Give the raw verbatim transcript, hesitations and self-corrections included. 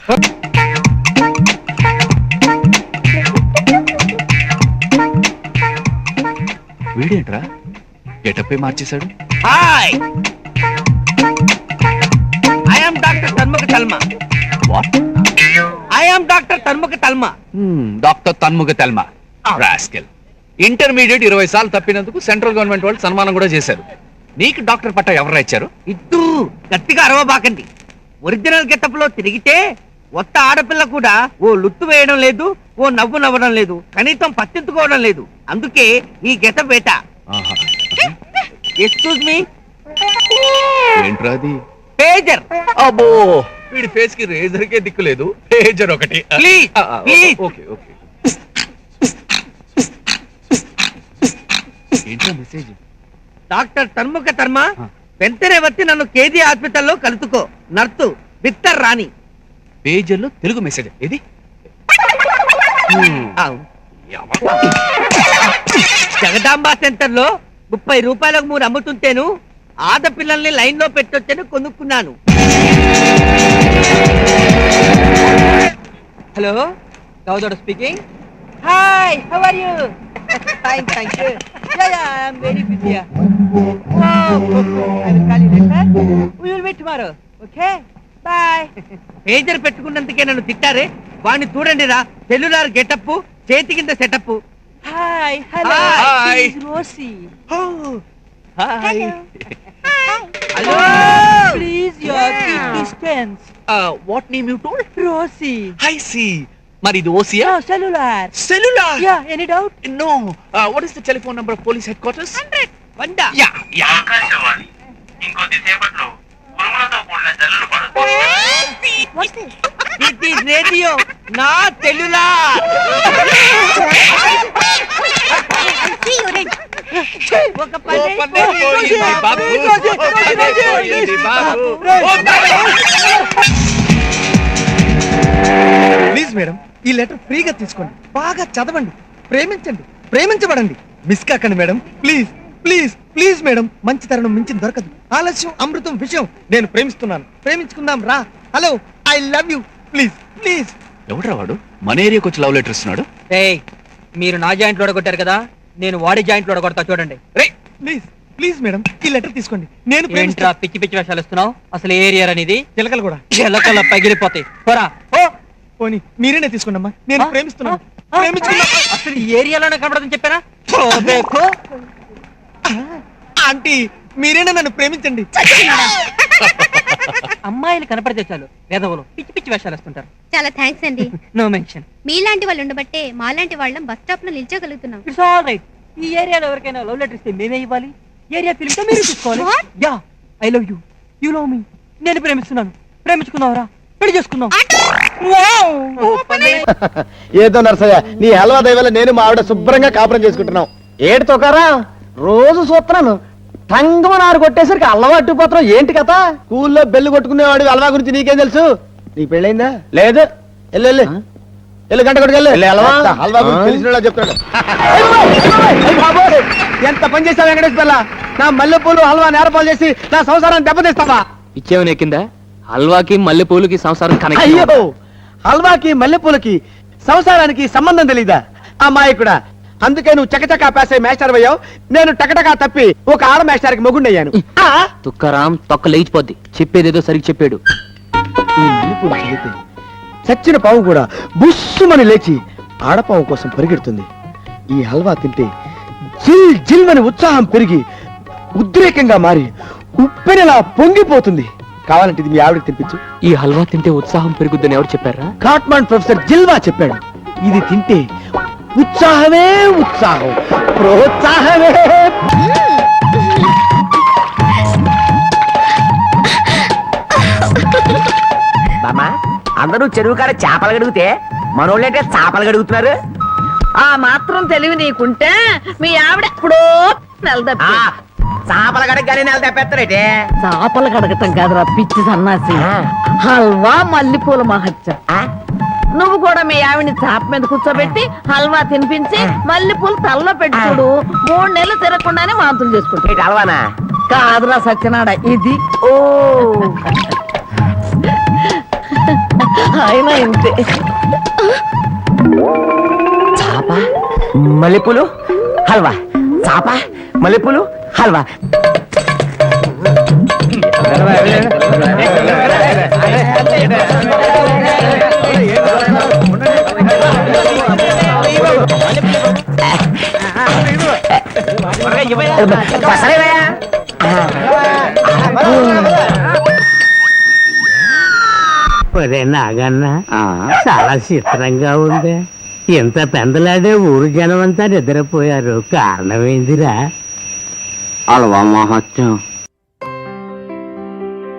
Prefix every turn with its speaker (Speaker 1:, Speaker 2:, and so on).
Speaker 1: వీడేంట్రా గెటప్పే మార్చేశాడు.
Speaker 2: Hi, I am doctor Tanmukha Talma.
Speaker 1: What?
Speaker 2: I am doctor Tanmukha Talma.
Speaker 1: Doctor Tanmukha Talma. Rascal. Intermediate ఇరవై సార్లు తప్పినందుకు సెంట్రల్ గవర్నమెంట్ వాళ్ళు సన్మానం కూడా చేశారు. నీకు డాక్టర్ పట్టా ఎవరు ఇచ్చారు?
Speaker 2: ఇద్దు గట్టిగా అరవబాకండి. ఒరిజినల్ గెటప్ లో తిరిగితే ఒక్క ఆడపిల్ల కూడా ఓ లుత్తు వేయడం లేదు, ఓ నవ్వు నవ్వడం లేదు, కనీసం పట్టించుకోవడం లేదు. అందుకే ఈ గెటప్ వేట. Excuse me.
Speaker 1: ఏంట్రా అది?
Speaker 2: పేజర్.
Speaker 1: అబ్బో, వీడి ఫేస్ కి రేజర్ కే దిక్కు లేదు. పేజర్ ఒకటి.
Speaker 2: Please please.
Speaker 1: Okay okay. ఏంట్రా మెసేజ్?
Speaker 2: డాక్టర్ తన్ముఖ తర్మ, వెంటనే వచ్చి నన్ను కేజీ హాస్పిటల్లో కలుసుకో. నర్సు బిత్తర్ రాణి.
Speaker 1: పేజర్ లో తెలుగు మెసేజ్ ఏది?
Speaker 2: జగదాంబ సెంటర్ లో ముప్పై రూపాయలకు మూడు అమ్ముతుంటేను ఆడపిల్లల్ని లైన్ లో పెట్టొచ్చని కొనుక్కున్నాను. హలో, గౌదోడ speaking. Hi, how are you? Fine, thank you. Yeah yeah, I am very busy. Oh, I will call you later. We will meet tomorrow. Okay, bye. Pager పెట్టుకున్నందుకే నన్ను తిట్టారే. వాణ్ణి చూడండి రా, సెల్యులార్ గెటప్, చేతి కింద setup. Hi, hello,
Speaker 1: hi
Speaker 2: Rosy.
Speaker 1: Hi.
Speaker 2: Hello, please your keep distance.
Speaker 1: What name you told?
Speaker 2: Rosy.
Speaker 1: I see. మరి ఇది ఓసియా?
Speaker 2: Cellular.
Speaker 1: Cellular.
Speaker 2: Yeah, any doubt?
Speaker 1: No. What is the telephone number of police headquarters?
Speaker 2: Hundred. వంద.
Speaker 1: Yeah yeah.
Speaker 3: Akashvani ఇంకొద్ది సేపట్లో ఉరుములతో కూడిన జల్లులు పడుతుంది.
Speaker 2: ఇట్ ఈస్ రేడియో, నా సెల్యులార్. ఒక పని
Speaker 4: ప్లీజ్ మేడం, ఈ లెటర్ ఫ్రీగా తీసుకోండి, బాగా చదవండి, ప్రేమించండి, ప్రేమించబడండి. మిస్ కాకండి madam, please please please madam. మంచి తరుణం మించి దొరకదు. ఆలస్యం అమృతం విషయం. నేను ప్రేమిస్తున్నాను, ప్రేమించుకుందాం రా. Hello, I love you. Please please.
Speaker 1: ఎవడ్రా వాడు మన ఏరియాకి వచ్చి లవ్ లెటర్ ఇస్తున్నాడు?
Speaker 2: ఏయ్, మీరు నా జాయింట్ లోడగొట్టారు కదా, నేను వాడి జాయింట్ లోడగొడతా చూడండి.
Speaker 1: రే
Speaker 4: ప్లీజ్ ప్లీజ్ మేడం, ఈ లెటర్ తీసుకోండి. నేను
Speaker 2: ఏంట్రా
Speaker 4: ప్రేమిస్తా.
Speaker 2: పిచ్చి పిచ్చి వేషాలు ఇస్తున్నావు? అసలు ఏరియా అనేది
Speaker 4: చిలకలు కూడా.
Speaker 2: చిలకల పగిలిపోతాయి. పోరా. ఓ,
Speaker 4: పోనీ మీరేనే తీసుకోండి అమ్మా. నేను
Speaker 2: ఆ?
Speaker 4: ప్రేమిస్తున్నాను,
Speaker 2: ఆ?
Speaker 4: ప్రేమించుకున్నా.
Speaker 2: అసలు ఈ ఏరియాలోనే కనబడదని చెప్పానా? పోబేకు.
Speaker 4: ఆంటీ, మీరేనా నన్ను ప్రేమించండి.
Speaker 2: అమ్మాయిలు కనపడితే చాలు వేదవులు పిచ్చి పిచ్చి వేషాలు వేస్తుంటారు.
Speaker 5: చాలా థ్యాంక్స్ అండి.
Speaker 2: No mention.
Speaker 5: మీలాంటి వాళ్ళు ఉండబట్టే మాలాంటి వాళ్ళం బస్ స్టాప్ లో నిల్చోగలుగుతున్నాం.
Speaker 2: It's all right. ఈ ఏరియాలో ఎవరికైనా లవ్ లెటర్ ఇస్తే మేమే ఇవ్వాలి. ఏరియా ఫిలింతో మీరు తీసుకోవాలి.
Speaker 5: What?
Speaker 2: Yeah, I love you, you love me. నేను ప్రేమిస్తున్నాను, ప్రేమించుకుందాంరా, పెళ్లి చేసుకుందాం.
Speaker 6: ఏదో నర్సయ్య, నీ హల్వా దయవల్ల నేను మా ఆవిడ శుభ్రంగా కాపురం చేసుకుంటున్నాం. ఏడు తోకారా రోజు చూస్తున్నాను. తంగమ నారు కొట్టేసరికి అల్లవా అట్టుపోతున్నాం. ఏంటి కథ? స్కూల్లో బెల్లు కొట్టుకునేవాడు హల్వా గురించి నీకేం తెలుసు? నీకు పెళ్ళైందా? లేదు. వెళ్ళు వెళ్ళు వెళ్ళు, గంట కొట్టుకెళ్ళు. హల్వా గురించి తెలిసిన చెప్తాడు. ఎంత పని చేస్తావు వెంకటేష్ పిల్ల? నా మల్లెపూలు హల్వా నేరపాలు చేసి నా సంసారాన్ని దెబ్బతీస్తావా?
Speaker 7: ఇచ్చేవని ఎక్కిందా? హల్వాకి మల్లెపూలకి సంసారం కనెక్ట్.
Speaker 6: అయ్యో, హల్వాకి మల్లెపూలకి సంసారానికి సంబంధం తెలీదా అమ్మాయికుడా? అందుకే నువ్వు చకచకా పాస్ అయ్యి మేస్టర్ అయ్యావు. నేను టకటకా తప్పి ఒక ఆడ మేస్టర్కి మొగుండయ్యాను.
Speaker 7: తుక్కరాం తొక్క లేచిపోద్ది. చెప్పేదేదో సరిగ్గా చెప్పాడు.
Speaker 6: ఈ మల్లెపూలు చదివితే చచ్చిన పాము కూడా బుస్సుమని లేచి ఆడపాము కోసం పరిగెడుతుంది. ఈ హల్వా తింటే జిల్ జిల్ అని ఉత్సాహం పెరిగి ఉద్రేకంగా మారి ఉప్పెనలా పొంగిపోతుంది. కావాలంటే ఇది మీ ఆవిడకి తినిపించు.
Speaker 7: ఈ హల్వా తింటే ఉత్సాహం పెరుగుద్దని ఎవరు చెప్పారా?
Speaker 6: కాట్మాండ్ ప్రొఫెసర్ జిల్వా చెప్పాడు. ఇది తింటే ఉత్సాహమే ఉత్సాహం, ప్రోత్సాహమే.
Speaker 8: బామా, అందరూ చెరువు కాడ చేపలు గడుగుతే మనోళ్ళంటే చేపలు గడుగుతున్నారు.
Speaker 9: ఆ మాత్రం తెలివి నీకుంటే మీ ఆవిడ ఎప్పుడో నెలదప్పి
Speaker 8: చేపల గడగానే నెల తెప్పేస్తారేటే.
Speaker 9: చేపలు కడగటం కాదురా పిచ్చి సన్నాసి. హల్వా మల్లెపూల మహత్యం. నువ్వు కూడా మీ ఆవిడ్ని చాప మీద కూర్చోబెట్టి హల్వా తినిపించి మల్లెపూలు తలలో పెట్టి చూడు, మూడు నెలలు తిరగకుండానే వాంతులు చేసుకుంటా.
Speaker 8: హల్వానా?
Speaker 9: కాదురా సత్యనాడ, ఇది.
Speaker 8: ఓ
Speaker 9: ఆయన ఇంతే.
Speaker 8: చాప మల్లెపూలు హల్వా, చాప మల్లెపూలు హల్వా. పసలేవయ్యా?
Speaker 10: నాగన్న చాలా చిత్రంగా ఉంది. ఎంత పెందలాడే ఊరు జనం అంతా నిద్రపోయారు. కారణం ఏందిరా?
Speaker 6: అలవా మహత్యం